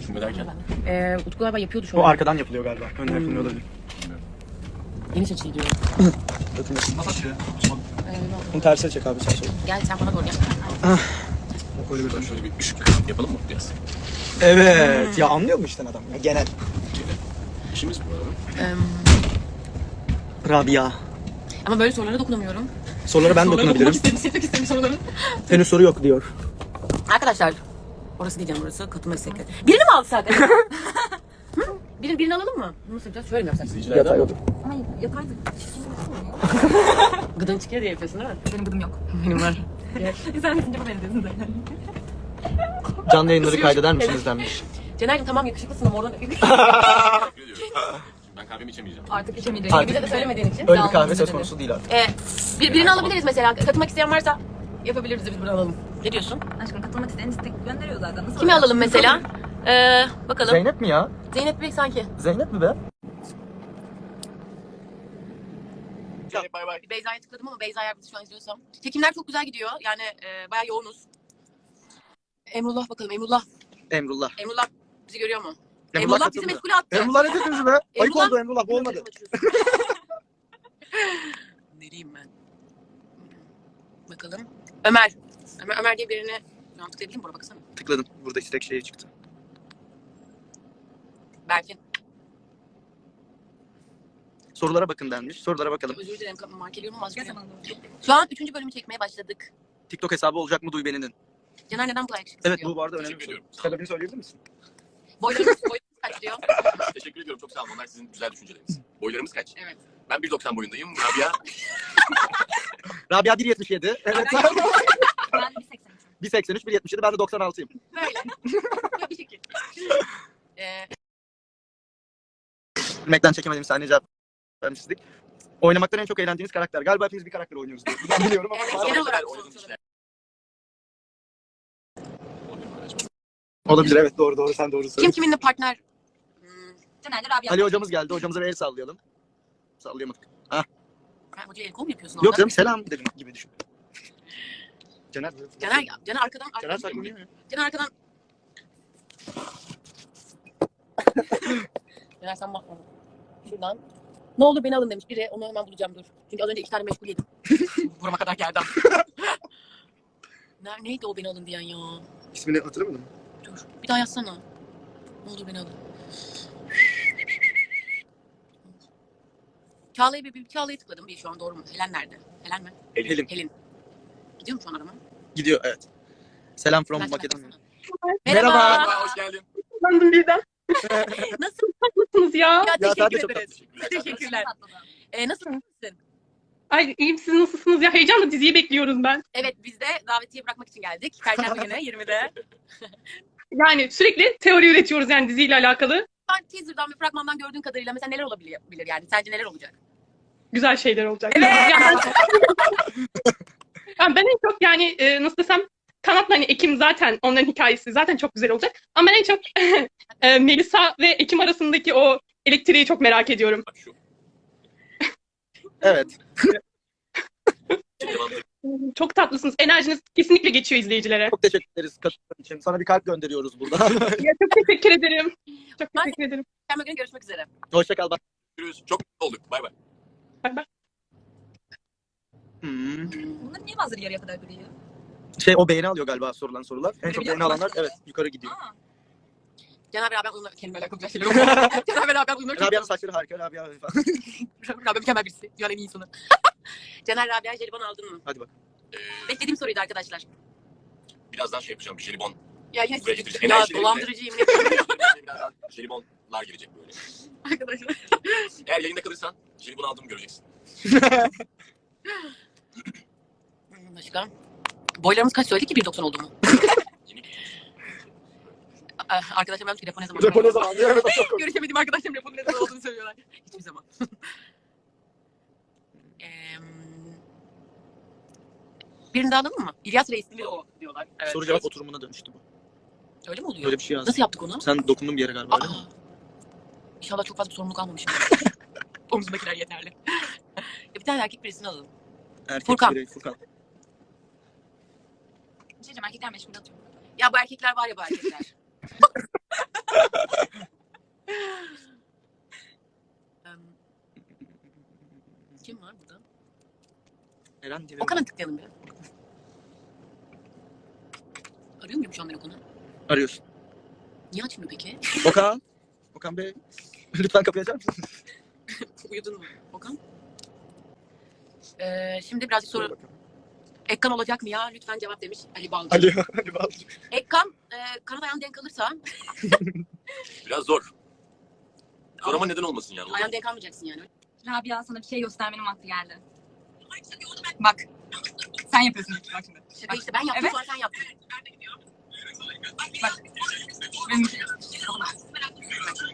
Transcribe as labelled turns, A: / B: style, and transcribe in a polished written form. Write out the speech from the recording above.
A: Düşünme derken.
B: Utku galiba yapıyordu şu an.
C: O arkadan yapılıyor galiba. Önde yapılmıyor olabilir.
B: Geniş açıyı diyor.
A: Nasıl açıyor?
C: Bunu tersine çek abi sen söyle.
B: Gel sen bana doğru gel.
A: Şöyle bir ışık yapalım mı biraz?
C: Evet. Ya anlıyor mu işten adam ya genel.
A: İşimiz bu arada.
C: Rabia.
B: Ama böyle sorulara dokunamıyorum.
C: Sorulara ben dokunabilirim.
B: Silmek istedim soruları.
C: Henüz soru yok diyor.
B: Arkadaşlar. Orası diyeceğim orası. Katılma istekleri. Birini mi alsak? Birini alalım mı? Nasıl yapacağız? Şöyle mi yapsak?
C: Yatay otur.
B: Ay yataydı. Gıdın çıkıyor diye yapıyorsun değil mi? Benim gıdım yok. Benim var. Sen kesince bu benziyorsun zaten.
C: Canlı yayınları kaydeder misiniz denmiş.
B: Cener'cim tamam yakışıklısın ama oradan...
A: Teşekkür ediyorum. Ben kahvemi içemeyeceğim.
B: Artık içemeyeceğim. Bize de söylemediğin için.
C: Öyle bir kahve söz konusu değil artık.
B: Birini alabiliriz mesela. Katılmak isteyen varsa yapabiliriz de biz bunu alalım. Ne diyorsun?
D: Aşkım katılmak isteyen istek gönderiyor zaten. Nasıl
B: Kimi alalım mesela? Bakalım.
C: Zeynep mi ya?
B: Zeynep Bey sanki.
C: Zeynep mi be?
A: Bay bay.
B: Beyza'ya tıkladım ama Beyza eğer bizi şu an izliyorsam. Çekimler çok güzel gidiyor. Yani bayağı yoğunuz. Emrullah bakalım. Emrullah bizi görüyor mu? Emrullah bizi
C: katıldı.
B: meşgule attı.
C: Emrullah ne dediniz be? Ayıp
B: Emrullah-
C: oldu Emrullah bu olmadı.
B: Nereyim ben? Bakalım. Ömer diye birine şu an tıklayabilir miyim? Buna baksana.
C: Tıkladım. Burada istek şeyi çıktı.
B: Berkin.
C: Sorulara bakın denmiş. Sorulara bakalım.
B: Özür dilerim. Markeliyorum ama az
D: Gel
B: görüyorum.
D: zaman
B: Şu an 3. bölümü çekmeye başladık.
C: TikTok hesabı olacak mı Duyben'in?
B: Caner neden bu kadar yakışıklı
C: Evet
B: diyor?
C: bu arada önemli bir
A: Teşekkür
C: soru.
A: ediyorum.
C: Sebebini söyleyebilir misin?
B: Boylarımız kaç diyor?
A: Teşekkür ediyorum. Çok sağ olun. Onlar sizin güzel düşünceleriniz. Boylarımız kaç?
B: Evet.
A: Ben 1.90 boyundayım. Rabia
C: Rabia 1.77. Evet.
D: Ben 1.83.
C: 1.83, 1.77. Ben de 96'yım.
B: Böyle. Bir şekil.
C: Bilmekten çekemediğim saniye cevap vermiştik. Oynamaktan en çok eğlendiğiniz karakter. Galiba hepimiz bir karakter oynuyoruz diye. Ben biliyorum ama.
B: Evet, genel olarak
A: oynadığım işler.
C: Olabilir evet doğru sen doğru
B: Kim
C: söylüyorsun.
B: kiminle partner?
D: Caner'le Rabia.
C: Ali hocamız geldi. Hocamıza bir el sallayalım. Sallayamadık.
B: Sen hocaya el kol mu yapıyorsun?
C: Yok
B: orada?
C: canım selam dedim gibi düşün. Caner
B: Caner
C: Caner saklanıyor ya.
B: Caner arkadan. Caner sen bakma. Şuradan. Ne olur beni alın demiş biri. Onu hemen bulacağım dur. Çünkü az önce 2 tane meşgul yedim. Burama kadar geldi. Neydi o beni alın diyen ya?
C: İsmini hatırlamadın mı?
B: Dur. Bir daha yazsana. Ne olur beni alın. Çağla'ya tıkladım. Bir şu an doğru mu? Helen nerede? Helen mi?
C: Helin.
B: Helin. Gidiyor mu şu an arama?
C: Gidiyor evet. Selam from
B: Flash
C: Makedonya.
B: baksana.
C: Merhaba.
A: Merhaba, hoş geldin.
E: Sandım birden.
B: Nasılsınız
E: ya?
B: Ya
C: Ya, sen de
B: teşekkür
C: çok
B: ederiz. Teşekkürler. Nasılsın?
E: Ay iyiyim, siz nasılsınız ya? Heyecanla diziyi bekliyoruz ben.
B: Evet biz de davetiye bırakmak için geldik. Perşembe günü 20'de.
E: Yani sürekli teori üretiyoruz yani diziyle alakalı.
B: Ben teaser'dan ve fragmandan gördüğün kadarıyla mesela neler olabilir yani? Sence neler olacak?
E: Güzel şeyler olacak.
B: Evet.
E: Yani ben en çok yani nasıl desem Kanat'la hani Ekim zaten onların hikayesi zaten çok güzel olacak. Ama ben en çok Melisa ve Ekim arasındaki o elektriği çok merak ediyorum.
A: Bak şu.
C: Evet.
E: Çok tatlısınız. Enerjiniz kesinlikle geçiyor izleyicilere.
C: Çok teşekkür ederiz katıldığın için. Sana bir kalp gönderiyoruz buradan.
E: Ya, çok teşekkür ederim. Çok teşekkür ederim.
B: Perşembe günü görüşmek üzere.
C: Hoşça kal bak.
A: Görüşürüz. Çok mutlu olduk. Bay bay.
E: Bay bay.
D: Bunları niye bazıları yarıya kadar duruyor?
C: O beğeni alıyor galiba sorulan sorular. En çok beğeni alanlar evet yukarı gidiyor.
B: Caner beraber onunla kendime alakalı güzel şeyler oluyor. Caner beraber onunla
C: Rabia'nın saçları harika. Rabia falan.
B: Rabia mükemmel birisi. Dünyanın en iyi insanı. Caner Rabia jelibon aldın mı?
C: Hadi bak.
B: Beklediğim soruydu arkadaşlar.
A: Birazdan şey yapacağım. Bir jelibon.
B: Ya yine
A: Buraya getireceğim.
B: ya
A: Enerjilerimle-
B: dolandırıcıyım.
A: Birazdan jelibonlar gelecek böyle.
B: Arkadaşlar.
A: Eğer yayında kalırsan jelibon aldığımı göreceksin.
B: Başka? Boylarımız kaç söyledi ki 1.90 oldu mu?
A: Yeni
B: Arkadaşlar ben telefon ne zaman?
C: Japon ne zaman? Evet, o çok komik.
B: Görüşemediğim arkadaşlarım telefonun ne zaman olduğunu söylüyorlar. Hiçbir zaman. Birini daha alalım mı? İlyas Reis'li mi o diyorlar. Evet.
C: Soru cevap oturumuna dönüştü bu.
B: Öyle mi oluyor?
C: Böyle bir şey yazdım.
B: Nasıl yaptık onu?
C: Sen dokundun bir yere galiba öyle mi?
B: İnşallah çok fazla bir sorumluluk almamışım. Omzumdakiler yeterli. Ya bir tane erkek birisini alalım.
C: Erkek
B: Furkan.
C: birey, Furkan.
D: Bir şey diyeceğim, erkekler meşgul atıyor.
B: Ya bu erkekler var ya bu erkekler. Kim var burada?
C: Eren diye.
B: Okan'a tıklayalım bir. Arıyor muyum şu an ben Okan'ı?
C: Arıyorsun.
B: Niye açmıyor peki?
C: Okan. Okan Bey. Lütfen kapıyı açar mısın?
B: Uyudun mu Okan? Şimdi birazcık soru. Ekkan olacak mı ya? Lütfen cevap demiş Ali Balcı.
C: Ali Balcı.
B: Ekkan kanat ayağın denk alırsa
A: Biraz zor. Zor ama neden olmasın yani?
B: ayağın denk almayacaksın yani.
D: Rabia sana bir şey göstermenin vakti geldi. Bak. Sen yapıyorsun bak şimdi.
B: Şaka işte ben yaptım
D: Evet.
B: sonra sen yaptın.
D: Bak. Benim